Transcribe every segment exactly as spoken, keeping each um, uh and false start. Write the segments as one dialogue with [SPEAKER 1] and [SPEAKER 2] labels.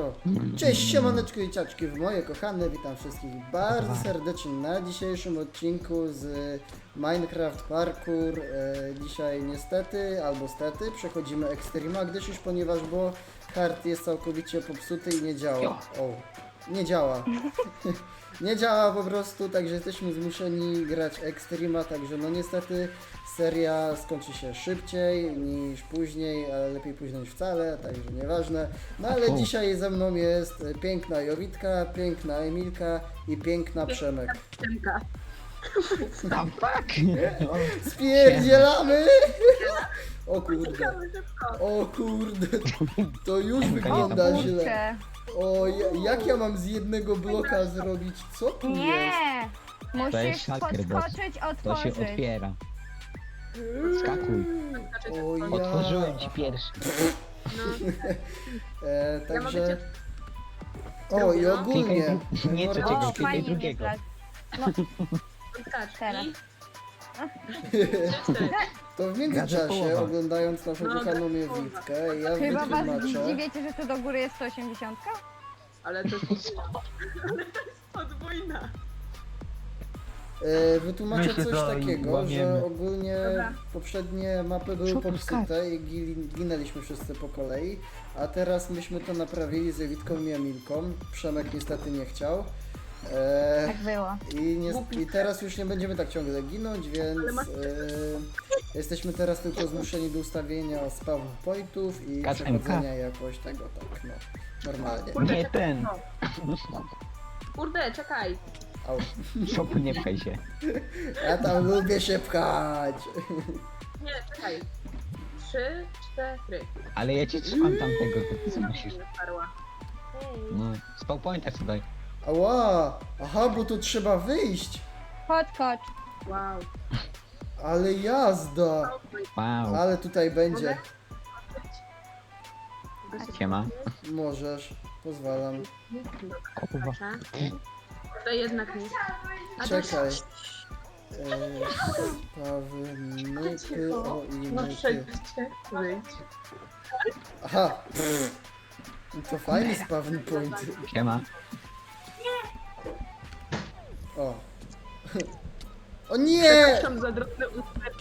[SPEAKER 1] O, cześć, siemaneczko i ciaczki w moje kochane, witam wszystkich bardzo serdecznie na dzisiejszym odcinku z Minecraft Parkour. E, dzisiaj niestety, albo stety, przechodzimy Extrema, gdyż już ponieważ, bo hard jest całkowicie popsuty i nie działa. O, nie działa. Nie działa po prostu, także jesteśmy zmuszeni grać Extrema, także no niestety seria skończy się szybciej niż później, ale lepiej późno niż wcale, także nieważne. No ale dzisiaj ze mną jest piękna Jowitka, piękna Emilka i piękna Przemek.
[SPEAKER 2] Przemka.
[SPEAKER 3] No fuck!
[SPEAKER 1] Spierdzielamy! O kurde, o kurde, to już wygląda źle. O, ja- jak ja mam z jednego bloka zrobić? Co tu jest?
[SPEAKER 4] Nie!
[SPEAKER 3] To jest
[SPEAKER 4] Musisz
[SPEAKER 3] hacker, boss.
[SPEAKER 4] podskoczyć,
[SPEAKER 3] To się
[SPEAKER 4] otworzyć.
[SPEAKER 3] otwiera. Skakuj.
[SPEAKER 1] O ja...
[SPEAKER 3] Otworzyłem ci pierwszy.
[SPEAKER 2] No,
[SPEAKER 1] E,
[SPEAKER 2] ja mogę
[SPEAKER 1] także...
[SPEAKER 2] cię...
[SPEAKER 1] O i
[SPEAKER 2] No.
[SPEAKER 1] ogólnie...
[SPEAKER 3] Klikaj, nie,
[SPEAKER 1] mordo-
[SPEAKER 3] trzeciego,
[SPEAKER 4] O,
[SPEAKER 3] klikaj
[SPEAKER 4] fajnie
[SPEAKER 3] drugiego.
[SPEAKER 4] wyszłaś.
[SPEAKER 2] Skacz.
[SPEAKER 4] Teraz.
[SPEAKER 2] I...
[SPEAKER 1] To w międzyczasie,
[SPEAKER 3] połowa.
[SPEAKER 1] oglądając naszą
[SPEAKER 2] No,
[SPEAKER 1] kochaną
[SPEAKER 2] gada połowa.
[SPEAKER 1] Jowitkę, ja
[SPEAKER 4] Chyba was
[SPEAKER 1] wytłumaczę...
[SPEAKER 4] dziwiecie, że tu do góry jest sto osiemdziesiąt?
[SPEAKER 2] Ale to jest podwójna. Ale to jest podwójna.
[SPEAKER 1] E, wytłumaczę
[SPEAKER 3] My się
[SPEAKER 1] coś
[SPEAKER 3] to
[SPEAKER 1] takiego,
[SPEAKER 3] łamiemy.
[SPEAKER 1] że ogólnie
[SPEAKER 2] Dobra.
[SPEAKER 1] poprzednie mapy były
[SPEAKER 3] Co tu
[SPEAKER 1] popsute i gi- ginęliśmy wszyscy po kolei, a teraz myśmy to naprawili z Jowitką i Emilką. Przemek niestety nie chciał. E,
[SPEAKER 4] Tak było.
[SPEAKER 1] I, nie, I teraz już nie będziemy tak ciągle ginąć, więc
[SPEAKER 2] Ale masz-
[SPEAKER 1] e, jesteśmy teraz tylko zmuszeni do ustawienia spawn pointów i
[SPEAKER 3] Kat
[SPEAKER 1] przechodzenia jakoś tego, tak no, normalnie.
[SPEAKER 2] Kurde,
[SPEAKER 3] Nie
[SPEAKER 2] czekaj,
[SPEAKER 3] ten.
[SPEAKER 2] no. Kurde, czekaj.
[SPEAKER 1] Au.
[SPEAKER 3] Szopu nie pchaj się.
[SPEAKER 1] Ja tam lubię się pchać.
[SPEAKER 2] Nie, czekaj. Trzy, cztery.
[SPEAKER 3] Ale ja ci trzymam tamtego, to ty co musisz.
[SPEAKER 2] Nie sparła. Hej.
[SPEAKER 3] No, spał pointer tutaj.
[SPEAKER 1] Ała, aha, bo tu trzeba wyjść.
[SPEAKER 4] Podskocz.
[SPEAKER 2] Wow.
[SPEAKER 1] Ale jazda.
[SPEAKER 3] Wow.
[SPEAKER 1] Ale tutaj będzie.
[SPEAKER 2] Mogę się
[SPEAKER 3] Siema.
[SPEAKER 1] Możesz, pozwalam.
[SPEAKER 3] O kurwa.
[SPEAKER 2] Proszę. To jednak nie. A to-
[SPEAKER 1] Czekaj. Eee, Sprawy, myty, o i
[SPEAKER 2] No
[SPEAKER 1] myty.
[SPEAKER 2] przejdziecie. Wyjdź.
[SPEAKER 1] Aha. To fajny spawn point.
[SPEAKER 3] Siema.
[SPEAKER 1] O. O nie!
[SPEAKER 2] Przepraszam za drobne usterki.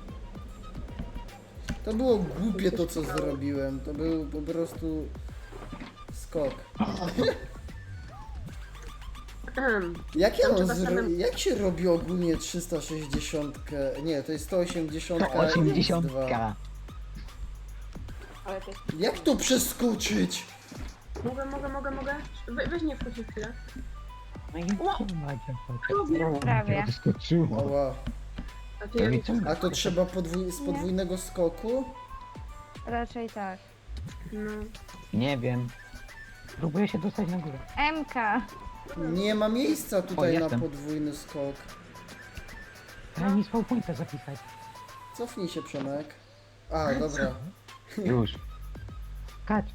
[SPEAKER 1] To było głupie to, co zrobiłem. To był po prostu skok. Jak ja
[SPEAKER 2] Tam
[SPEAKER 1] mam
[SPEAKER 2] trzeba
[SPEAKER 1] zro...
[SPEAKER 2] samym-
[SPEAKER 1] Jak się robi ogólnie trzysta sześćdziesiąt? Nie, to jest sto osiemdziesiąt.
[SPEAKER 3] To osiemdziesiątka.
[SPEAKER 2] Ale to jest...
[SPEAKER 1] Jak to przeskoczyć?
[SPEAKER 2] Mogę, mogę, mogę, mogę. We, weź nie wchodź chwilę.
[SPEAKER 3] No i kurwa, cię
[SPEAKER 4] Prawie.
[SPEAKER 3] wyskoczyło.
[SPEAKER 1] Ała.
[SPEAKER 2] A
[SPEAKER 3] To
[SPEAKER 2] ty
[SPEAKER 3] i co?
[SPEAKER 1] A to trzeba podwój... z podwójnego skoku?
[SPEAKER 4] Raczej tak.
[SPEAKER 2] No.
[SPEAKER 3] Nie wiem. Próbuję się dostać na górę.
[SPEAKER 4] M K.
[SPEAKER 1] Nie ma miejsca tutaj
[SPEAKER 3] O,
[SPEAKER 1] na
[SPEAKER 3] jestem.
[SPEAKER 1] podwójny skok.
[SPEAKER 3] Daj mi spał pointer zapisać.
[SPEAKER 1] Cofnij się, Przemek. A, dobra.
[SPEAKER 3] Już. Kacz.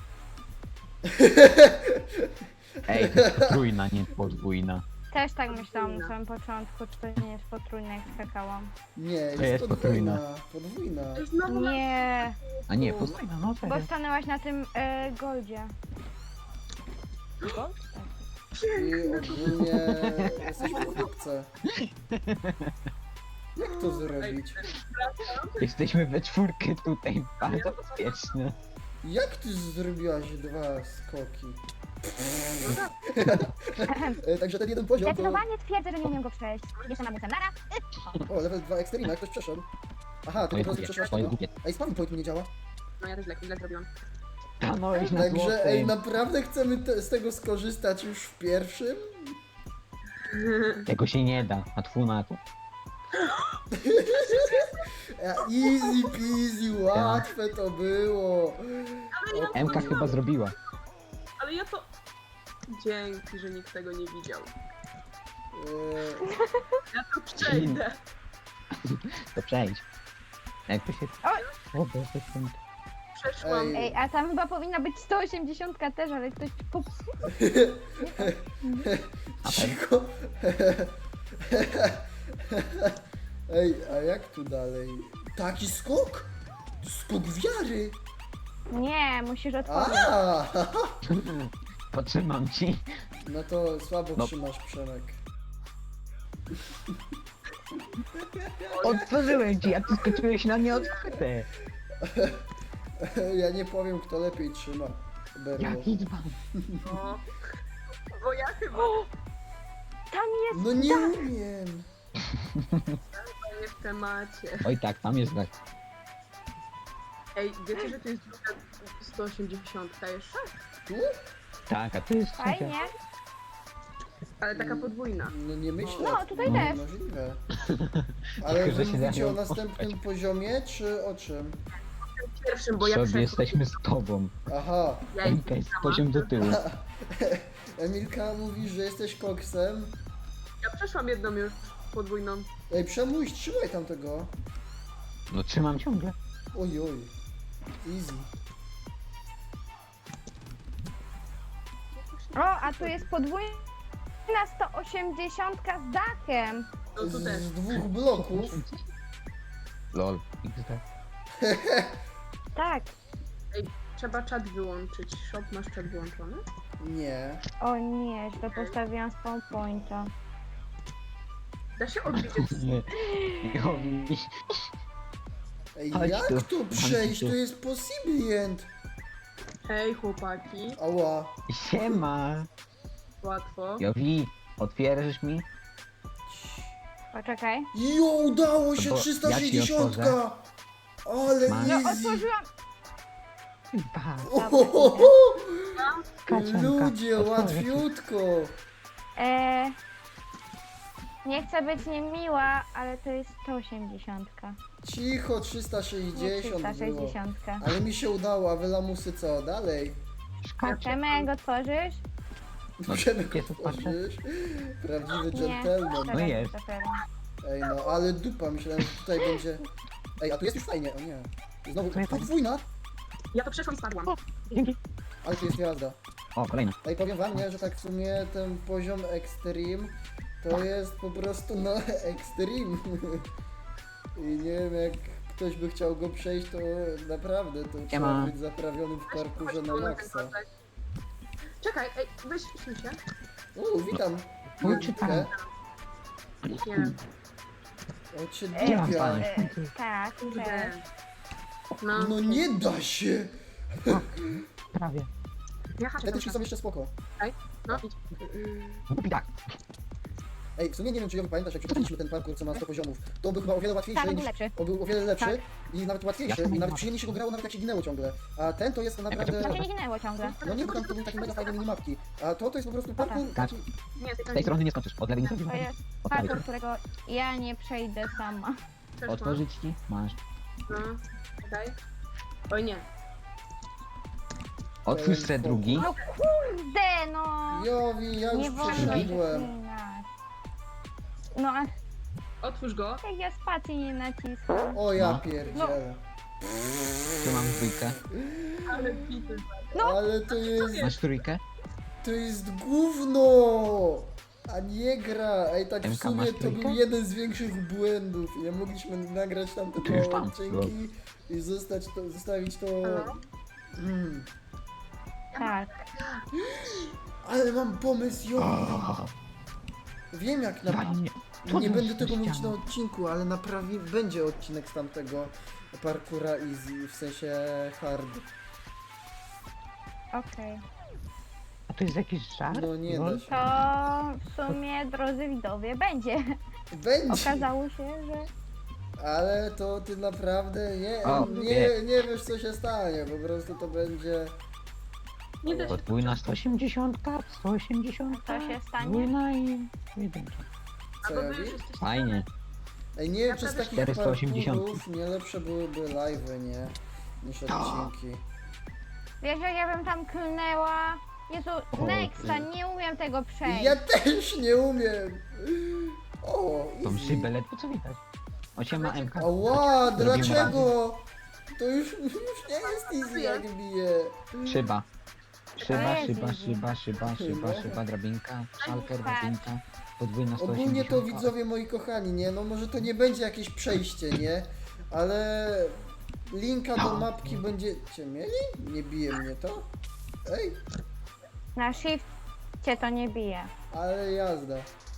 [SPEAKER 3] Ej, to jest potrójna, nie podwójna.
[SPEAKER 4] Też tak myślałam na samym początku, czy to nie jest potrójne, jak skakałam.
[SPEAKER 1] Nie, jest,
[SPEAKER 3] jest
[SPEAKER 1] podwójna. Podwójna.
[SPEAKER 2] Ej, Znowu na...
[SPEAKER 4] Nie,
[SPEAKER 3] A nie, podwójna, no
[SPEAKER 4] bo
[SPEAKER 3] serio.
[SPEAKER 4] stanęłaś na tym e, goldzie. Gold? Tak.
[SPEAKER 1] I ogólnie jesteśmy w chłopce. Jak to zrobić?
[SPEAKER 3] Jesteśmy we czwórkę tutaj, bardzo bezpieczne.
[SPEAKER 1] Jak ty zrobiłaś dwa skoki? E, Także ten jeden poziom to...
[SPEAKER 4] Zdecydowanie twierdzę, że nie umiem go przejść. Jeszcze mam nara.
[SPEAKER 1] O, level dwa Extreme, jak ktoś przeszedł. Aha, ty po
[SPEAKER 3] Moje
[SPEAKER 1] prostu
[SPEAKER 3] głupie,
[SPEAKER 1] przeszłaś
[SPEAKER 3] moje
[SPEAKER 1] tego.
[SPEAKER 3] głupie.
[SPEAKER 1] Ej, spawn point mi nie działa.
[SPEAKER 2] No ja też źle, źle zrobiłam.
[SPEAKER 3] Stanąłeś na
[SPEAKER 1] Także, ej,
[SPEAKER 3] złotym.
[SPEAKER 1] naprawdę chcemy te, z tego skorzystać już w pierwszym?
[SPEAKER 3] Tego się nie da, a twój na to.
[SPEAKER 1] E, Easy peasy, łatwe to było. O,
[SPEAKER 3] M K chyba zrobiła.
[SPEAKER 2] Ale ja to... Dzięki, że nikt tego nie widział.
[SPEAKER 1] e,
[SPEAKER 2] Ja to przejdę.
[SPEAKER 3] To przejdź. Jak to się... O, to jest ten...
[SPEAKER 2] Przeszłam.
[SPEAKER 1] Ej.
[SPEAKER 4] Ej, a tam chyba powinna być sto osiemdziesiąt też, ale ktoś popsuł.
[SPEAKER 1] Cicho. Ej, a jak tu dalej? Taki skok? Skok wiary.
[SPEAKER 4] Nie, musisz otworzyć.
[SPEAKER 1] A,
[SPEAKER 3] Potrzymam ci.
[SPEAKER 1] no to słabo
[SPEAKER 3] No.
[SPEAKER 1] trzymasz, Przemek.
[SPEAKER 3] Otworzyłem ci, a ty skoczyłeś na nieodkryte.
[SPEAKER 1] Ja nie powiem, kto lepiej trzyma. Berło.
[SPEAKER 3] Jaki dzban.
[SPEAKER 2] O, bo ja chyba
[SPEAKER 4] Tam jest
[SPEAKER 1] No nie
[SPEAKER 4] dach.
[SPEAKER 1] umiem.
[SPEAKER 2] nie w temacie.
[SPEAKER 3] Oj tak, tam jest tak.
[SPEAKER 2] Ej, wiecie, że to jest druga sto osiemdziesiąt jeszcze?
[SPEAKER 1] Tu?
[SPEAKER 3] Tak, a to jest
[SPEAKER 4] Fajnie.
[SPEAKER 2] Ale taka podwójna.
[SPEAKER 1] No nie myślę.
[SPEAKER 4] No, tutaj
[SPEAKER 1] no,
[SPEAKER 4] też.
[SPEAKER 1] Możliwe. Ale
[SPEAKER 3] Tylko,
[SPEAKER 1] wy
[SPEAKER 3] że się
[SPEAKER 1] mówicie o
[SPEAKER 3] dają
[SPEAKER 1] następnym poziomie, czy o czym?
[SPEAKER 2] Pierwszym, bo ja
[SPEAKER 3] Sobie
[SPEAKER 2] przeszłam.
[SPEAKER 3] jesteśmy z tobą.
[SPEAKER 1] Aha.
[SPEAKER 2] Ja
[SPEAKER 3] Emka jest poziom do tyłu.
[SPEAKER 1] Emilka mówi, że jesteś koksem.
[SPEAKER 2] Ja przeszłam jedną już podwójną.
[SPEAKER 1] Ej, Przemuś, trzymaj tamtego.
[SPEAKER 3] No trzymam ciągle.
[SPEAKER 1] Oj, oj. Easy.
[SPEAKER 4] O, a tu jest podwójna sto osiemdziesiąt z dachem.
[SPEAKER 2] No tu
[SPEAKER 1] Z,
[SPEAKER 2] też.
[SPEAKER 1] z dwóch bloków.
[SPEAKER 3] Lol. iks de.
[SPEAKER 4] Tak.
[SPEAKER 2] Trzeba czat wyłączyć. Shop, masz czat wyłączony?
[SPEAKER 1] Nie.
[SPEAKER 4] O nie, źle postawiłam spawn pointa.
[SPEAKER 2] Da się odwiedzić.
[SPEAKER 3] Nie. Jowi.
[SPEAKER 1] Ej,
[SPEAKER 3] Chodź
[SPEAKER 1] jak
[SPEAKER 3] tu,
[SPEAKER 1] tu
[SPEAKER 3] chodź
[SPEAKER 1] przejść?
[SPEAKER 3] tu.
[SPEAKER 1] To jest possibilient.
[SPEAKER 2] Hej chłopaki,
[SPEAKER 1] Ała.
[SPEAKER 3] Siema.
[SPEAKER 2] łatwo.
[SPEAKER 3] Jowi, otwierzysz mi?
[SPEAKER 4] Poczekaj.
[SPEAKER 1] Jo, udało się,
[SPEAKER 3] Bo
[SPEAKER 1] trzysta
[SPEAKER 3] ja ci
[SPEAKER 1] sześćdziesiąt.
[SPEAKER 3] otworzę.
[SPEAKER 1] Ale
[SPEAKER 3] Masz?
[SPEAKER 4] No,
[SPEAKER 1] easy.
[SPEAKER 4] otworzyłam.
[SPEAKER 3] Ba,
[SPEAKER 1] Ohohoho.
[SPEAKER 3] kaczanka.
[SPEAKER 1] Ludzie,
[SPEAKER 3] Otworzę ci.
[SPEAKER 1] łatwiutko.
[SPEAKER 4] E, nie chcę być niemiła, ale to jest sto osiemdziesiąt.
[SPEAKER 1] Cicho, trzysta
[SPEAKER 4] Nie
[SPEAKER 1] sześćdziesiąt było.
[SPEAKER 4] trzysta sześćdziesiąt.
[SPEAKER 1] Ale mi się udało, a wy lamusy co? Dalej.
[SPEAKER 3] Szkacze.
[SPEAKER 4] Przemek, otworzysz?
[SPEAKER 3] No,
[SPEAKER 1] Przemek,
[SPEAKER 3] jest otwarte.
[SPEAKER 1] otworzysz? Prawdziwy
[SPEAKER 4] Nie.
[SPEAKER 1] dżentelmen.
[SPEAKER 3] No jest.
[SPEAKER 4] Dopiero.
[SPEAKER 1] Ej no, ale dupa, myślałem, że tutaj będzie... Ej, a tu jest już fajnie, o nie. Znowu,
[SPEAKER 3] To jest fajnie.
[SPEAKER 1] podwójna?
[SPEAKER 2] Ja to przeszłam i spadłam.
[SPEAKER 3] Dzięki.
[SPEAKER 1] Ale tu jest jazda.
[SPEAKER 3] O, kolejna.
[SPEAKER 1] Ej, powiem wam, nie, że tak w sumie ten poziom Extreme to jest po prostu, no, Extreme. I nie wiem, jak ktoś by chciał go przejść, to naprawdę to trzeba
[SPEAKER 3] Siema.
[SPEAKER 1] być zaprawionym w parkurze na maksa.
[SPEAKER 2] Czekaj, ej, weź śmiej się.
[SPEAKER 1] Uuu, witam.
[SPEAKER 3] O,
[SPEAKER 1] Jolitkę.
[SPEAKER 3] czytam.
[SPEAKER 2] Nie.
[SPEAKER 1] O cię
[SPEAKER 4] E,
[SPEAKER 3] Nie mam
[SPEAKER 1] dupia.
[SPEAKER 3] pana.
[SPEAKER 4] E, tak,
[SPEAKER 2] Kurde.
[SPEAKER 4] cześć.
[SPEAKER 2] No,
[SPEAKER 1] No nie da się.
[SPEAKER 3] Prawie.
[SPEAKER 2] ja haczę
[SPEAKER 1] Te
[SPEAKER 2] cały
[SPEAKER 1] tyczki
[SPEAKER 2] czas.
[SPEAKER 1] są jeszcze spoko.
[SPEAKER 2] No idź.
[SPEAKER 3] Głupi tak.
[SPEAKER 1] Ej, w sumie nie wiem, czy Jowy pamiętasz, jak przechodziliśmy ten parkour, co ma sto poziomów. To on był chyba o wiele łatwiejszy
[SPEAKER 4] Tak, on był
[SPEAKER 1] niż...
[SPEAKER 4] lepszy.
[SPEAKER 1] On był o wiele lepszy
[SPEAKER 4] Tak.
[SPEAKER 1] i nawet łatwiejszy
[SPEAKER 3] Ja
[SPEAKER 1] i nawet
[SPEAKER 3] mam.
[SPEAKER 1] przyjemniej się go grało, nawet jak się ginęło ciągle. A ten to jest
[SPEAKER 4] Tam się
[SPEAKER 1] naprawdę...
[SPEAKER 4] nie ginęło ciągle.
[SPEAKER 1] No nie, bo tam to były takie mega fajne minimapki. A to to jest po prostu parkour
[SPEAKER 3] Tak.
[SPEAKER 1] taki...
[SPEAKER 2] Nie,
[SPEAKER 3] Z tej strony nie skoczysz. Od lewej nie skoczysz.
[SPEAKER 4] To jest
[SPEAKER 3] Od prawej.
[SPEAKER 4] parkour, którego ja nie przejdę sama.
[SPEAKER 2] Przeszłam.
[SPEAKER 3] Otworzyć ci? Masz.
[SPEAKER 2] No, czekaj. Oj nie.
[SPEAKER 3] Otwórz se drugi.
[SPEAKER 4] No kurde, no!
[SPEAKER 1] Jowi, ja
[SPEAKER 4] Nie
[SPEAKER 1] już
[SPEAKER 4] wolno
[SPEAKER 1] przeszedłem.
[SPEAKER 4] zacinać. No, a
[SPEAKER 2] Otwórz go.
[SPEAKER 4] jak ja spacji nie naciskam.
[SPEAKER 1] O ja
[SPEAKER 3] No.
[SPEAKER 1] pierdzielę.
[SPEAKER 3] Tu mam dwójkę.
[SPEAKER 2] Ale bity.
[SPEAKER 1] Ale to jest...
[SPEAKER 3] Masz trójkę?
[SPEAKER 1] To jest gówno! A nie gra! Ej, tak w
[SPEAKER 3] Emka,
[SPEAKER 1] sumie
[SPEAKER 3] masz
[SPEAKER 1] to
[SPEAKER 3] trójkę?
[SPEAKER 1] był jeden z większych błędów. I nie mogliśmy nagrać tam te
[SPEAKER 3] To już
[SPEAKER 1] małe
[SPEAKER 3] mam.
[SPEAKER 1] odcinki i zostać to, zostawić to...
[SPEAKER 2] Halo?
[SPEAKER 1] Mm.
[SPEAKER 4] Tak.
[SPEAKER 1] Ale mam pomysł, Jowi! Wiem jak na...
[SPEAKER 3] Fajnie.
[SPEAKER 1] Nie
[SPEAKER 3] to
[SPEAKER 1] będę
[SPEAKER 3] jest
[SPEAKER 1] tego mówić na
[SPEAKER 3] ściana?
[SPEAKER 1] odcinku, ale naprawi... będzie odcinek z tamtego parkura easy, w sensie hard.
[SPEAKER 4] Okej.
[SPEAKER 3] A to jest jakiś żart?
[SPEAKER 1] No nie
[SPEAKER 3] Lol?
[SPEAKER 1] da się.
[SPEAKER 4] To w sumie, drodzy widowie, będzie.
[SPEAKER 1] Będzie!
[SPEAKER 4] Okazało się, że...
[SPEAKER 1] Ale to ty naprawdę nie,
[SPEAKER 3] O,
[SPEAKER 1] nie,
[SPEAKER 3] nie.
[SPEAKER 1] nie wiesz co się stanie, po prostu to będzie...
[SPEAKER 2] Nie da się.
[SPEAKER 3] Podwójna sto osiemdziesiąt, sto osiemdziesiąt.
[SPEAKER 4] Co się stanie?
[SPEAKER 3] Podwójna i jedynka.
[SPEAKER 1] Co
[SPEAKER 2] Albo
[SPEAKER 1] ja
[SPEAKER 2] wy już
[SPEAKER 1] wiem?
[SPEAKER 2] jesteście...
[SPEAKER 3] Fajnie.
[SPEAKER 1] Ej, nie wiem, czy z takich
[SPEAKER 3] czterysta osiemdziesiąt.
[SPEAKER 1] parkurów nie lepsze byłyby live'y, nie? Niż odcinki.
[SPEAKER 4] Wiesz, jak ja bym tam klnęła? Jezu,
[SPEAKER 3] O,
[SPEAKER 4] Nexa,
[SPEAKER 3] ty.
[SPEAKER 4] nie umiem tego przejść.
[SPEAKER 1] Ja też nie umiem! O,
[SPEAKER 3] Tą
[SPEAKER 1] easy.
[SPEAKER 3] szybę ledwo co widać. Osiema M K.
[SPEAKER 1] Ała,
[SPEAKER 3] Zrobimy
[SPEAKER 1] dlaczego? To już, już nie jest easy jak bije.
[SPEAKER 3] Szyba. Szyba,
[SPEAKER 4] jest
[SPEAKER 3] szyba,
[SPEAKER 4] easy.
[SPEAKER 3] szyba, szyba, szyba,
[SPEAKER 1] No.
[SPEAKER 3] szyba, drabinka, szalker,
[SPEAKER 4] Tak.
[SPEAKER 3] drabinka, podwójna sto
[SPEAKER 1] Ogólnie
[SPEAKER 3] osiemdziesiąt.
[SPEAKER 1] to widzowie moi kochani, nie? No może to nie będzie jakieś przejście, nie? Ale linka do mapki będziecie mieli? Nie bije mnie to? Ej,
[SPEAKER 4] Na shifcie to nie bije.
[SPEAKER 1] ale jazda.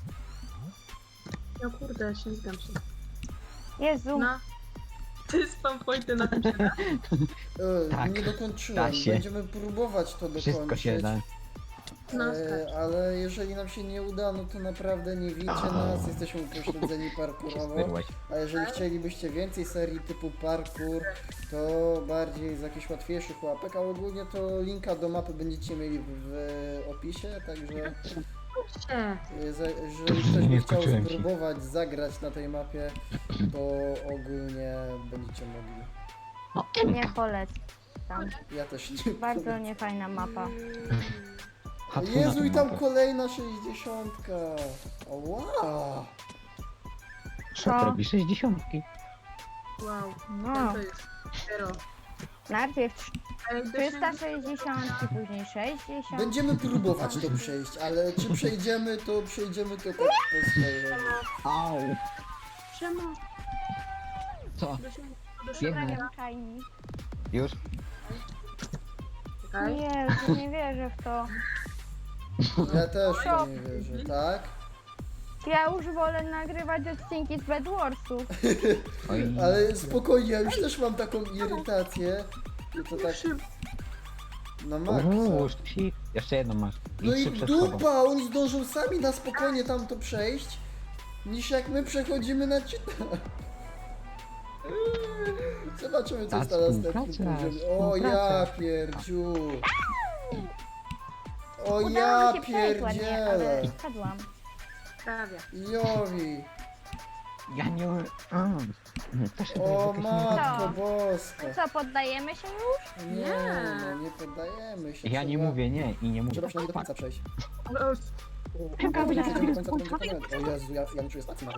[SPEAKER 2] No kurde, ślizgam się.
[SPEAKER 4] Jezu,
[SPEAKER 2] Na... Ty spam pointy na tym się da.
[SPEAKER 1] E,
[SPEAKER 3] Tak,
[SPEAKER 1] nie dokończyłem.
[SPEAKER 3] da się.
[SPEAKER 1] Będziemy próbować to dokończyć.
[SPEAKER 3] Wszystko się da.
[SPEAKER 2] No,
[SPEAKER 1] E,
[SPEAKER 2] skacz.
[SPEAKER 1] ale jeżeli nam się nie uda, no to naprawdę nie wiecie nas, jesteśmy upośledzeni parkurowo.
[SPEAKER 3] Spyrłaś.
[SPEAKER 1] A jeżeli chcielibyście więcej serii typu parkour, to bardziej z jakichś łatwiejszych łapek, a ogólnie to linka do mapy będziecie mieli w, w opisie, także
[SPEAKER 2] się.
[SPEAKER 1] e, za- jeżeli ktoś by
[SPEAKER 3] Nie
[SPEAKER 1] chciał
[SPEAKER 3] skoczyłem się.
[SPEAKER 1] spróbować zagrać na tej mapie, to ogólnie będziecie mogli.
[SPEAKER 3] No,
[SPEAKER 4] nie polecam.
[SPEAKER 1] Ja też nie.
[SPEAKER 4] Bardzo niefajna mapa.
[SPEAKER 3] Hatuna
[SPEAKER 1] Jezu, i
[SPEAKER 3] tu
[SPEAKER 1] tam
[SPEAKER 3] mapę.
[SPEAKER 1] kolejna sześćdziesiątka. Wow.
[SPEAKER 3] Co
[SPEAKER 4] Co?
[SPEAKER 3] to robi? sześćdziesiątki.
[SPEAKER 2] Wow.
[SPEAKER 4] No,
[SPEAKER 2] To jest zero.
[SPEAKER 4] najpierw
[SPEAKER 2] Ej,
[SPEAKER 4] trzysta sześćdziesiąt, później sześćdziesiąt.
[SPEAKER 1] Będziemy próbować to przejść, ale czy przejdziemy, to przejdziemy to tak po swojemu.
[SPEAKER 3] Au.
[SPEAKER 2] Czemu?
[SPEAKER 3] Co?
[SPEAKER 2] Do siebie- do siebie.
[SPEAKER 3] Biegnę.
[SPEAKER 4] Prawie czajni.
[SPEAKER 3] Już?
[SPEAKER 2] Czekaj.
[SPEAKER 4] Jezu, nie wierzę w to.
[SPEAKER 1] Ja też w to nie wierzę, tak?
[SPEAKER 4] Ja już wolę nagrywać odcinki z Bedwarsów.
[SPEAKER 3] Oj.
[SPEAKER 1] Ale spokojnie, ja już też mam taką irytację. I to tak
[SPEAKER 2] Szybko.
[SPEAKER 1] na
[SPEAKER 3] Uuu,
[SPEAKER 1] maksa.
[SPEAKER 3] sztosik. Jeszcze jedną masz.
[SPEAKER 1] No i
[SPEAKER 3] trzy przed sobą.
[SPEAKER 1] dupa, oni zdążą sami na spokojnie tam to przejść, niż jak my przechodzimy na cheata. Zobaczymy co jest na
[SPEAKER 3] Ta
[SPEAKER 1] następnym
[SPEAKER 3] współpraca,
[SPEAKER 1] poziomie. O ja
[SPEAKER 3] współpraca.
[SPEAKER 1] pierdziu. O
[SPEAKER 4] Udało
[SPEAKER 1] ja
[SPEAKER 4] mi się przejść ładnie, ale
[SPEAKER 1] pierdzielę.
[SPEAKER 4] spadłam.
[SPEAKER 2] Prawie.
[SPEAKER 1] Jowi.
[SPEAKER 3] Ja nie... Mm. Też chyba
[SPEAKER 1] O
[SPEAKER 3] jest jakaś
[SPEAKER 1] matko
[SPEAKER 4] Co?
[SPEAKER 1] boska.
[SPEAKER 4] Co, poddajemy się już?
[SPEAKER 1] Nie,
[SPEAKER 2] Nie.
[SPEAKER 1] no nie poddajemy się.
[SPEAKER 3] Ja nie
[SPEAKER 1] trzeba-
[SPEAKER 3] mówię nie i nie mówię.
[SPEAKER 1] Trzeba przynajmniej do końca przejść.
[SPEAKER 2] Ale o,
[SPEAKER 3] Czekaj,
[SPEAKER 1] Jak
[SPEAKER 3] będzie
[SPEAKER 1] przejdziemy do końca, to
[SPEAKER 3] chwilę.
[SPEAKER 1] będzie koniec. O Jezu, ja, ja nie czuję stacji nawet.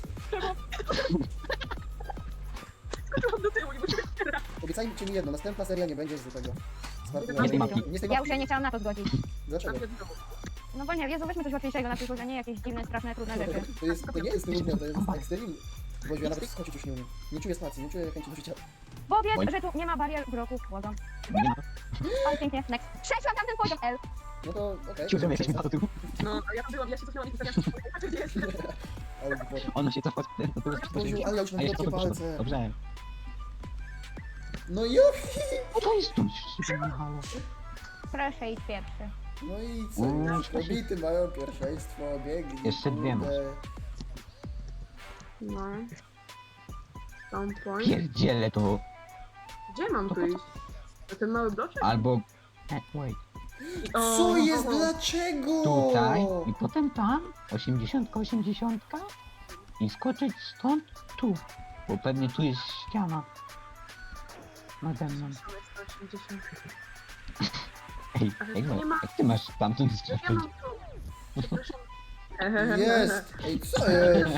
[SPEAKER 2] skoczyłam do tyłu, nie muszę teraz.
[SPEAKER 1] Obiecajcie mi jedno, następna seria nie będzie z tego. Z
[SPEAKER 2] Nie z tej
[SPEAKER 1] parkouru.
[SPEAKER 3] mapki.
[SPEAKER 1] Nie z tej
[SPEAKER 4] Ja
[SPEAKER 1] mapki.
[SPEAKER 4] już się nie chciałam na to zgodzić.
[SPEAKER 1] Dlaczego?
[SPEAKER 4] No bo nie, Jezu, weźmy coś łatwiejszego na przyszłość, a nie jakieś dziwne, straszne, trudne rzeczy.
[SPEAKER 1] To, jest, to nie jest trudne, to jest ekstrem. Boże, ja nawet skoczyć już nie umiem. Nie czuję stacji, nie czuję chęci do życia.
[SPEAKER 4] Bo wiesz,
[SPEAKER 3] Bądź.
[SPEAKER 4] że tu nie ma barier bloków, błagam.
[SPEAKER 3] Nie ma.
[SPEAKER 4] Ale pięknie, next. Przeszłam tamten poziom, L.
[SPEAKER 1] No to okej.
[SPEAKER 3] Ci, że my jesteśmy na to tyłu.
[SPEAKER 2] No, a ja tam byłam, ja się cofnęłam i pisałam, gdzie jest.
[SPEAKER 1] Ale głupota.
[SPEAKER 3] Ona się cofa do tyłu.
[SPEAKER 1] Boziu, ale ja już mam
[SPEAKER 3] A jeszcze
[SPEAKER 1] krótkie
[SPEAKER 3] to
[SPEAKER 1] palce.
[SPEAKER 3] Dobrze.
[SPEAKER 1] No Jowi!
[SPEAKER 3] O, to jest tu. Halo.
[SPEAKER 4] Proszę, idź pierwszy.
[SPEAKER 1] No i co?
[SPEAKER 3] Uuu,
[SPEAKER 1] Już
[SPEAKER 3] Stasiu.
[SPEAKER 1] kobiety mają pierwszeństwo, biegli.
[SPEAKER 3] Jeszcze dwie masz.
[SPEAKER 1] kurde.
[SPEAKER 2] No. Down point.
[SPEAKER 3] Pierdzielę to.
[SPEAKER 2] Gdzie mam tu iść? Na ten mały bloczek?
[SPEAKER 3] Albo... E, wait.
[SPEAKER 2] O,
[SPEAKER 1] Co jest?
[SPEAKER 2] o, o.
[SPEAKER 1] Dlaczego?
[SPEAKER 3] Tutaj i potem tam. Osiemdziesiątka, osiemdziesiątka. I skoczyć stąd tu. Bo pewnie tu jest ściana. Nade mną.
[SPEAKER 2] sto osiemdziesiąt.
[SPEAKER 3] Ej,
[SPEAKER 2] Ale
[SPEAKER 3] ej,
[SPEAKER 2] tu nie ma-
[SPEAKER 3] jak ty masz tamtąd
[SPEAKER 2] Ja
[SPEAKER 3] skoczyć?
[SPEAKER 2] mam tu. Przepraszam.
[SPEAKER 1] Jest! Ej, co jest?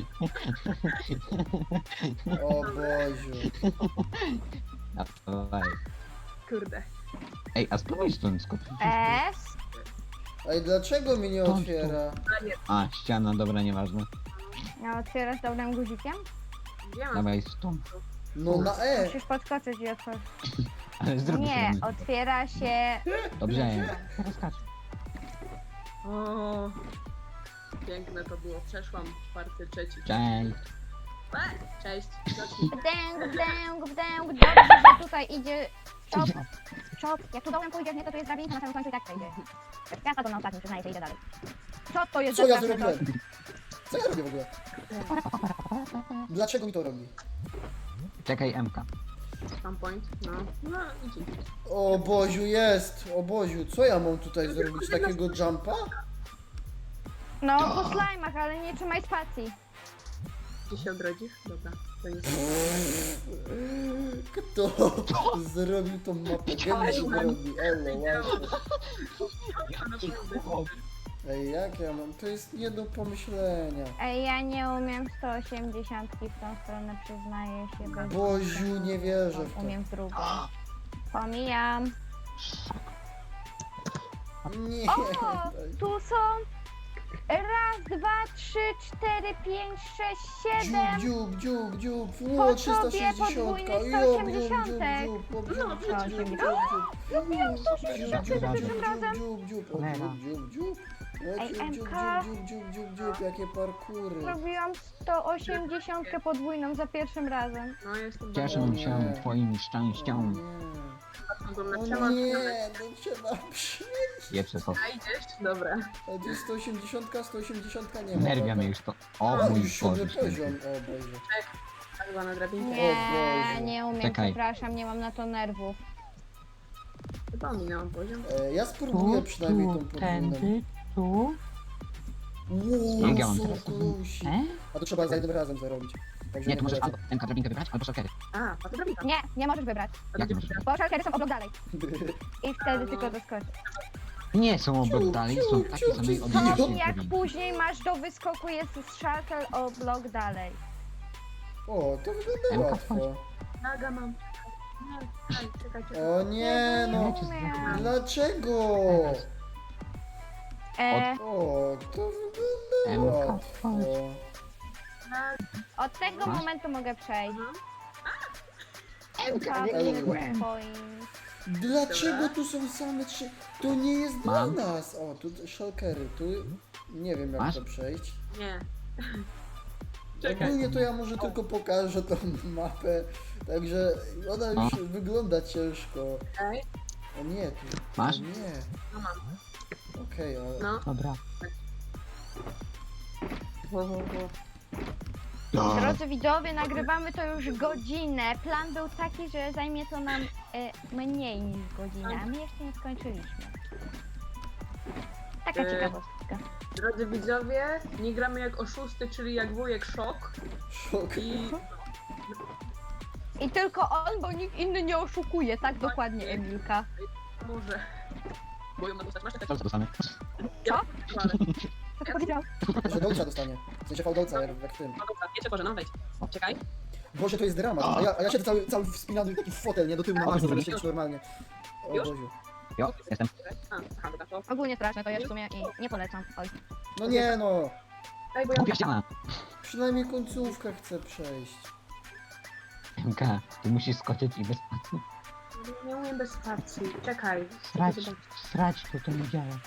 [SPEAKER 1] O Boziu.
[SPEAKER 3] Dawaj.
[SPEAKER 2] Kurde.
[SPEAKER 3] Ej, a spróbuj stąd skoczyć.
[SPEAKER 4] S.
[SPEAKER 1] Ej, dlaczego mi nie
[SPEAKER 3] Stąd,
[SPEAKER 1] otwiera?
[SPEAKER 3] A, ściana, dobra, nieważne.
[SPEAKER 4] No, otwierasz dobrym guzikiem?
[SPEAKER 2] Gdzie mam?
[SPEAKER 3] Dawaj stąd.
[SPEAKER 1] No na E.
[SPEAKER 4] Musisz podskoczyć i otworzyć.
[SPEAKER 3] Ale zrób
[SPEAKER 4] Nie,
[SPEAKER 3] to.
[SPEAKER 4] otwiera się...
[SPEAKER 3] Dobrze, teraz skacz.
[SPEAKER 2] O, piękne to było. Przeszłam czwarty, trzeci.
[SPEAKER 3] Cześć.
[SPEAKER 2] E, Cześć. Zacznij.
[SPEAKER 4] Wdęg, wdęg, wdęg. Dobrze, że tutaj idzie... Stop, stop. Jak tu dołem pójdziesz, nie, to tu jest drabinka, na samym końcu i tak przejdzie. Ja spadłam na ostatnim, przyznaję się, idę dalej. Co to jest
[SPEAKER 1] Co ja
[SPEAKER 4] za straszne to?
[SPEAKER 1] zrobiłem? Co ja robię w ogóle? Dlaczego mi to robi?
[SPEAKER 3] Czekaj, M K.
[SPEAKER 2] Tam point. No. No, idzie.
[SPEAKER 1] O Boziu, jest! O Boziu, co ja mam tutaj zrobić? Takiego jumpa?
[SPEAKER 4] No, po slajmach, ale nie trzymaj spacji.
[SPEAKER 2] Gdzie się odrodzisz? Dobra. To nic.
[SPEAKER 1] Kto zrobił tą mapę? Geniusz robi, elo, właśnie. Ej, jak ja mam? To jest nie do pomyślenia.
[SPEAKER 4] Ej, ja nie umiem sto osiemdziesiąt w tą stronę, przyznaję się. Bez...
[SPEAKER 1] Boziu, nie wierzę w to.
[SPEAKER 4] Umiem w drugą. Pomijam.
[SPEAKER 1] Nie.
[SPEAKER 4] O, tu są Raz, dwa, trzy, cztery, pięć, sześć, siedem.
[SPEAKER 1] Dziób, dziób, dziób, dziób.
[SPEAKER 4] Po
[SPEAKER 1] O, trzysta
[SPEAKER 4] tobie
[SPEAKER 1] sześćdziesiąt.
[SPEAKER 4] podwójny
[SPEAKER 1] Jo,
[SPEAKER 4] sto
[SPEAKER 1] dziób,
[SPEAKER 4] osiemdziesiąt.
[SPEAKER 1] dziób, dziób, dziób,
[SPEAKER 2] No,
[SPEAKER 1] dziób,
[SPEAKER 2] sto
[SPEAKER 1] dziób, dziób,
[SPEAKER 4] osiemdziesiąt.
[SPEAKER 1] dziób.
[SPEAKER 4] Zrobiłam sto osiemdziesiąt
[SPEAKER 1] Dziób,
[SPEAKER 4] za
[SPEAKER 1] dziób,
[SPEAKER 4] pierwszym razem.
[SPEAKER 1] dziób, dziób, o,
[SPEAKER 3] Cholera.
[SPEAKER 1] dziób, dziób, dziób. O,
[SPEAKER 4] Ej,
[SPEAKER 1] dziób, dziób,
[SPEAKER 4] M
[SPEAKER 1] dziób,
[SPEAKER 4] K.
[SPEAKER 1] dziób, dziób, dziób, dziób, jakie parkury.
[SPEAKER 4] Zrobiłam sto osiemdziesiąt podwójną za pierwszym razem.
[SPEAKER 2] No jestem
[SPEAKER 3] Cieszę
[SPEAKER 1] O
[SPEAKER 3] się
[SPEAKER 1] nie.
[SPEAKER 3] twoim
[SPEAKER 1] O
[SPEAKER 3] szczęściem.
[SPEAKER 1] nie,
[SPEAKER 2] na
[SPEAKER 1] o
[SPEAKER 2] przełom.
[SPEAKER 1] nie, no trzeba przyjść.
[SPEAKER 3] Pieprze to.
[SPEAKER 2] A idziesz? Dobra.
[SPEAKER 1] A gdzie sto osiemdziesiąt, sto osiemdziesiąt nie ma.
[SPEAKER 3] Nerwia
[SPEAKER 1] dobra.
[SPEAKER 3] mnie już to. O
[SPEAKER 1] O,
[SPEAKER 3] mój
[SPEAKER 1] już siódmy
[SPEAKER 3] Boże
[SPEAKER 1] poziom,
[SPEAKER 3] święty.
[SPEAKER 1] o Boże.
[SPEAKER 2] Tak była na drabinkę.
[SPEAKER 4] Nie,
[SPEAKER 1] Boże.
[SPEAKER 4] nie umiem,
[SPEAKER 3] Czekaj.
[SPEAKER 4] przepraszam, nie mam na to nerwów.
[SPEAKER 2] Chyba minęłam poziom.
[SPEAKER 1] E, ja spróbuję
[SPEAKER 3] Tu,
[SPEAKER 1] przynajmniej tą
[SPEAKER 3] tu,
[SPEAKER 1] podwójną.
[SPEAKER 3] tędy, tu.
[SPEAKER 1] Wow,
[SPEAKER 3] Ja mam
[SPEAKER 1] so
[SPEAKER 3] teraz.
[SPEAKER 1] close.
[SPEAKER 3] E?
[SPEAKER 1] A to trzeba za jednym razem zarobić. Także
[SPEAKER 3] Nie, tu możesz
[SPEAKER 1] polecam.
[SPEAKER 3] albo tę drabinkę wybrać, albo szalkery.
[SPEAKER 2] A, a to drabinka.
[SPEAKER 4] Nie, nie możesz wybrać.
[SPEAKER 2] A
[SPEAKER 3] Jak
[SPEAKER 2] gdzie
[SPEAKER 3] możesz?
[SPEAKER 4] Bo szalkery są obok dalej. I wtedy
[SPEAKER 2] No.
[SPEAKER 4] tylko doskoczysz.
[SPEAKER 3] Nie są obok dalej, są takie
[SPEAKER 1] ciu,
[SPEAKER 3] samej
[SPEAKER 1] ciu,
[SPEAKER 4] To
[SPEAKER 3] odległości.
[SPEAKER 4] jak później masz do wyskoku jest szalker o blok dalej.
[SPEAKER 1] O, to wygląda
[SPEAKER 3] Emka,
[SPEAKER 1] łatwo.
[SPEAKER 2] Naga mam. Nie, czekaj, czekaj, czekaj.
[SPEAKER 1] O nie,
[SPEAKER 4] Nie
[SPEAKER 1] no.
[SPEAKER 4] umiem.
[SPEAKER 1] Dlaczego?
[SPEAKER 4] E,
[SPEAKER 1] O, to wygląda
[SPEAKER 3] Emka,
[SPEAKER 1] łatwo.
[SPEAKER 4] od tego
[SPEAKER 3] Masz?
[SPEAKER 4] momentu mogę przejść.
[SPEAKER 3] Emka,
[SPEAKER 1] nie
[SPEAKER 3] byłem.
[SPEAKER 1] Dlaczego tu są same trzy? To nie jest
[SPEAKER 3] Mam.
[SPEAKER 1] dla nas. O, tu shulkery, tu nie wiem jak
[SPEAKER 3] Masz?
[SPEAKER 1] to przejść.
[SPEAKER 2] Nie. Czekaj.
[SPEAKER 1] Ogólnie to ja może tylko pokażę tą mapę, także ona już wygląda ciężko.
[SPEAKER 2] Okej.
[SPEAKER 1] O nie, tu.
[SPEAKER 3] Masz?
[SPEAKER 1] O nie.
[SPEAKER 2] No mam.
[SPEAKER 1] Okej, ale.
[SPEAKER 2] No.
[SPEAKER 3] Dobra.
[SPEAKER 2] Wo, wo, wo.
[SPEAKER 4] Drodzy widzowie, nagrywamy to już godzinę. Plan był taki, że zajmie to nam e, mniej niż godzinę, a my jeszcze nie skończyliśmy. Taka
[SPEAKER 2] E,
[SPEAKER 4] ciekawostka.
[SPEAKER 2] Drodzy widzowie, nie gramy jak oszusty, czyli jak wujek szok.
[SPEAKER 1] Szok.
[SPEAKER 2] I
[SPEAKER 4] I tylko on, bo nikt inny nie oszukuje, tak dokładnie, Emilka.
[SPEAKER 2] może. Bo ją na dostać. Masz tak?
[SPEAKER 3] Co dostanę?
[SPEAKER 2] Ja?
[SPEAKER 4] Co ty powiedział?
[SPEAKER 1] Że dolca dostanie. W sensie fałdolca, jak, jak tym.
[SPEAKER 2] No dobra, wiecie, Boże, no wejdź. Czekaj.
[SPEAKER 1] Boże, to jest dramat. A ja, a ja siedzę cały, cały wspinany taki w fotel, nie do tyłu na
[SPEAKER 3] A,
[SPEAKER 1] masę, żeby
[SPEAKER 3] już?
[SPEAKER 1] siedzieć normalnie. O
[SPEAKER 2] Już?
[SPEAKER 1] Boziu.
[SPEAKER 3] Jo, jestem.
[SPEAKER 2] A, aha, dobra, to.
[SPEAKER 4] Ogólnie straszne to jest w sumie i nie polecam. Oj.
[SPEAKER 1] No nie no.
[SPEAKER 2] Ej, bo ja...
[SPEAKER 3] Głupia ściana.
[SPEAKER 1] Przynajmniej końcówkę chcę przejść.
[SPEAKER 3] Emka, ty musisz skoczyć i bez...
[SPEAKER 2] Nie umiem bez spacji. Czekaj.
[SPEAKER 3] Srać, srać to to nie działa.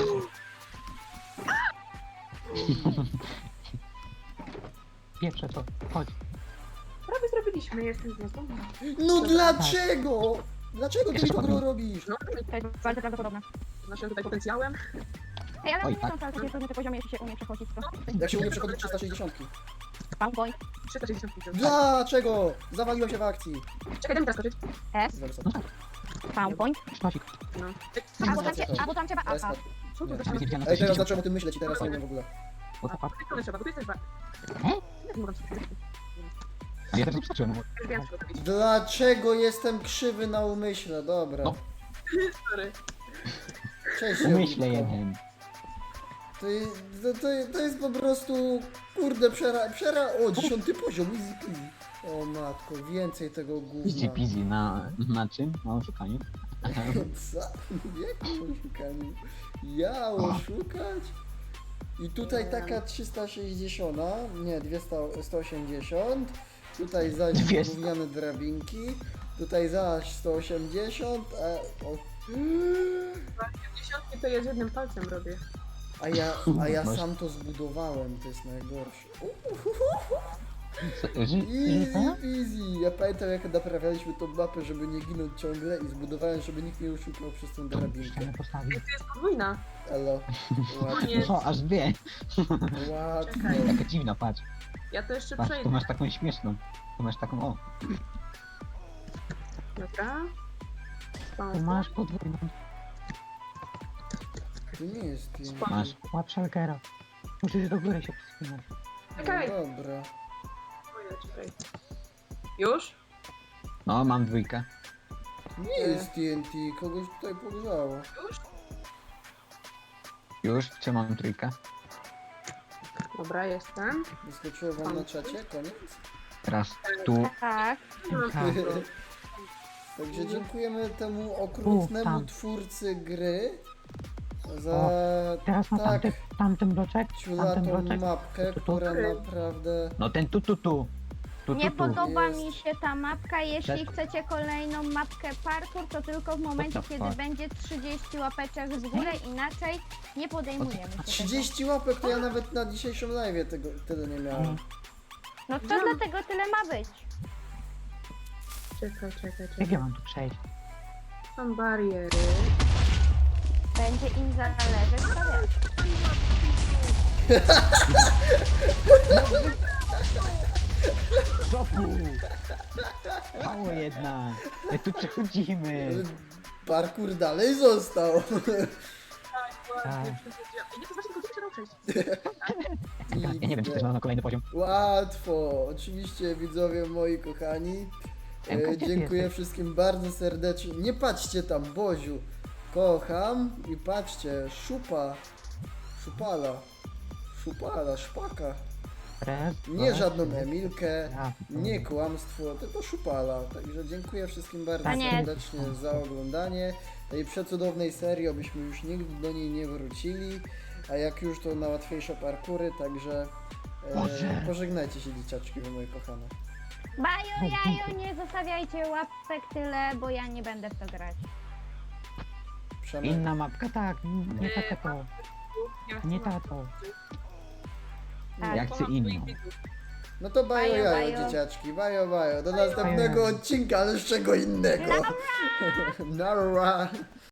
[SPEAKER 3] Pieprze to, chodź.
[SPEAKER 2] Prawie zrobiliśmy, jestem z nas.
[SPEAKER 1] No dlaczego? Dlaczego ty mi to gro robisz?
[SPEAKER 2] No,
[SPEAKER 4] To jest bardzo prawdopodobne.
[SPEAKER 2] z naszym tutaj potencjałem.
[SPEAKER 4] Ej, ale
[SPEAKER 3] Oj,
[SPEAKER 4] nie
[SPEAKER 3] tak.
[SPEAKER 4] są wcale takie trudne te poziomy, jeśli się umie przechodzić to.
[SPEAKER 1] Jak się umie przechodzić trzysta sześćdziesiąt.
[SPEAKER 4] Spawn point.
[SPEAKER 2] trzysta sześćdziesiąt pięć.
[SPEAKER 1] Dlaczego? Zawaliłem się w akcji.
[SPEAKER 2] Czekaj, daj mi teraz skoczyć.
[SPEAKER 4] S.
[SPEAKER 1] Za wysoko.
[SPEAKER 4] Spawn point.
[SPEAKER 3] Sztosik.
[SPEAKER 2] No.
[SPEAKER 4] Albo tam, cie- albo tam trzeba
[SPEAKER 1] To jest
[SPEAKER 4] aha.
[SPEAKER 1] tak.
[SPEAKER 2] Co tu
[SPEAKER 1] Nie.
[SPEAKER 2] zaczyna?
[SPEAKER 3] Widziałem na
[SPEAKER 1] Ej, teraz
[SPEAKER 3] to
[SPEAKER 1] zacząłem o tym myśleć i teraz nie wiem w ogóle.
[SPEAKER 3] What the fuck?
[SPEAKER 2] Z tej strony trzeba, bo tu jest też ba...
[SPEAKER 3] E?
[SPEAKER 2] Jak mogę skoczyć?
[SPEAKER 3] A ja też skoczyłem.
[SPEAKER 2] Już wiem, co zrobić.
[SPEAKER 1] Dlaczego jestem krzywy na umyśle? Dobra.
[SPEAKER 3] No.
[SPEAKER 2] Sorry.
[SPEAKER 1] Cześć.
[SPEAKER 3] Umyślę
[SPEAKER 1] Jowitko.
[SPEAKER 3] jeden.
[SPEAKER 1] To, jest- to, to, to jest po prostu... Kurde, przera... przera... O, dziesiąty poziom, easy peasy. O matko, więcej tego
[SPEAKER 3] Easy
[SPEAKER 1] gówna.
[SPEAKER 3] peasy na, na czym? Na oszukaniu?
[SPEAKER 1] Co? W jakim oszukaniu? Ja oszukać? I tutaj taka trzysta sześćdziesiąt, nie, dwieście, sto osiemdziesiąt. Tutaj zaś
[SPEAKER 3] dwieście.
[SPEAKER 1] gówniane drabinki. Tutaj zaś sto osiemdziesiąt, a, o,
[SPEAKER 2] Dziesiątki to ja z jednym palcem robię.
[SPEAKER 1] a ja, a ja
[SPEAKER 3] Masz-
[SPEAKER 1] sam to zbudowałem, to jest najgorsze.
[SPEAKER 3] Co, ży,
[SPEAKER 1] Easy
[SPEAKER 3] żyta?
[SPEAKER 1] peasy. Ja pamiętam jak naprawialiśmy tą mapę, żeby nie ginąć ciągle i zbudowałem, żeby nikt nie oszukał przez tą drabinkę.
[SPEAKER 3] Ścianę postawił.
[SPEAKER 2] To jest podwójna.
[SPEAKER 1] Elo, łatwo,
[SPEAKER 2] Nie.
[SPEAKER 3] O, aż dwie.
[SPEAKER 1] łatwo.
[SPEAKER 2] Czekaj.
[SPEAKER 3] Jaka dziwna, patrz.
[SPEAKER 2] Ja to jeszcze
[SPEAKER 3] Patrz, tu
[SPEAKER 2] przejdę.
[SPEAKER 3] masz taką śmieszną. Tu masz taką, o.
[SPEAKER 2] Dobra.
[SPEAKER 3] Tu masz podwójną.
[SPEAKER 1] To nie jest piękne.
[SPEAKER 3] Masz. Łap szalkera. Musisz do góry się wspinać.
[SPEAKER 2] Czekaj.
[SPEAKER 1] No dobra.
[SPEAKER 2] Ojej, czekaj. Już?
[SPEAKER 3] No, mam dwójkę.
[SPEAKER 1] Nie jest T N T, kogoś tutaj pogrzało.
[SPEAKER 2] Już?
[SPEAKER 3] Już, trzymam trójkę.
[SPEAKER 2] Dobra, jestem.
[SPEAKER 1] Wyskoczyło wam na czacie, koniec.
[SPEAKER 3] Teraz tu.
[SPEAKER 4] Tak.
[SPEAKER 3] Emka.
[SPEAKER 1] Także dziękujemy temu okrutnemu
[SPEAKER 3] tam.
[SPEAKER 1] twórcy gry. za
[SPEAKER 3] Teraz na
[SPEAKER 1] tak
[SPEAKER 3] tamty, tamten bloczek, tamten
[SPEAKER 1] ciulatą
[SPEAKER 3] bloczek.
[SPEAKER 1] mapkę,
[SPEAKER 3] Tu, tu, tu.
[SPEAKER 1] która naprawdę...
[SPEAKER 3] No ten tu, tu, tu. Tu,
[SPEAKER 4] Nie
[SPEAKER 3] tu, tu.
[SPEAKER 4] podoba
[SPEAKER 1] Jest.
[SPEAKER 4] mi się ta mapka. Jeśli
[SPEAKER 3] Tak.
[SPEAKER 4] chcecie kolejną mapkę parkour, to tylko w momencie,
[SPEAKER 3] What the
[SPEAKER 4] kiedy
[SPEAKER 3] fuck?
[SPEAKER 4] będzie trzydzieści łapeczek w górę, inaczej nie podejmujemy się tego.
[SPEAKER 1] trzydzieści łapek to ja nawet na dzisiejszym live tego tyle nie miałem.
[SPEAKER 4] No to dlatego tyle ma być.
[SPEAKER 2] Czekaj, czekaj,
[SPEAKER 3] Jak
[SPEAKER 2] czekaj.
[SPEAKER 3] ja mam tu przejść?
[SPEAKER 2] Są bariery.
[SPEAKER 4] Będzie im zależeć, to wiesz.
[SPEAKER 3] Zopu! Mało jedna. My tu przechodzimy.
[SPEAKER 1] Parkour dalej został.
[SPEAKER 3] Tak.
[SPEAKER 2] Nie, to właśnie tylko się dał przejść.
[SPEAKER 3] Ja, ja nie wiem, czy też mam na kolejny poziom.
[SPEAKER 1] Łatwo, oczywiście widzowie moi kochani.
[SPEAKER 3] Emka,
[SPEAKER 1] E,
[SPEAKER 3] gdzie ty
[SPEAKER 1] dziękuję
[SPEAKER 3] jesteś?
[SPEAKER 1] wszystkim bardzo serdecznie. Nie patrzcie tam, Boziu. Kocham i patrzcie, szupa, szupala, szupala, szpaka.
[SPEAKER 3] Raz,
[SPEAKER 1] Nie
[SPEAKER 3] dwa,
[SPEAKER 1] żadną
[SPEAKER 3] trzy.
[SPEAKER 1] Emilkę,
[SPEAKER 3] Ja,
[SPEAKER 1] nie kłamstwo, tylko szupala. Także dziękuję wszystkim bardzo
[SPEAKER 4] Panie-
[SPEAKER 1] serdecznie za oglądanie tej przecudownej serii, abyśmy już nigdy do niej nie wrócili. A jak już to na łatwiejsze parkury, także e,
[SPEAKER 3] Boże.
[SPEAKER 1] pożegnajcie się dzieciaczki, wy moje kochane.
[SPEAKER 4] Bajo, jajo, nie zostawiajcie łapek tyle, bo ja nie będę w to grać.
[SPEAKER 1] Przemek.
[SPEAKER 3] Inna mapka, tak. Nie ta to.
[SPEAKER 2] Ja chcę
[SPEAKER 3] Nie
[SPEAKER 2] na-
[SPEAKER 3] ta to.
[SPEAKER 4] Tak.
[SPEAKER 3] Ja chcę
[SPEAKER 2] Kocham
[SPEAKER 3] inną.
[SPEAKER 2] swoich widzów.
[SPEAKER 1] No to bajo,
[SPEAKER 4] Bajo,
[SPEAKER 1] jajo,
[SPEAKER 4] bajo.
[SPEAKER 1] dzieciaczki, bajo, bajo. Do następnego odcinka, ale z czego innego. Nara.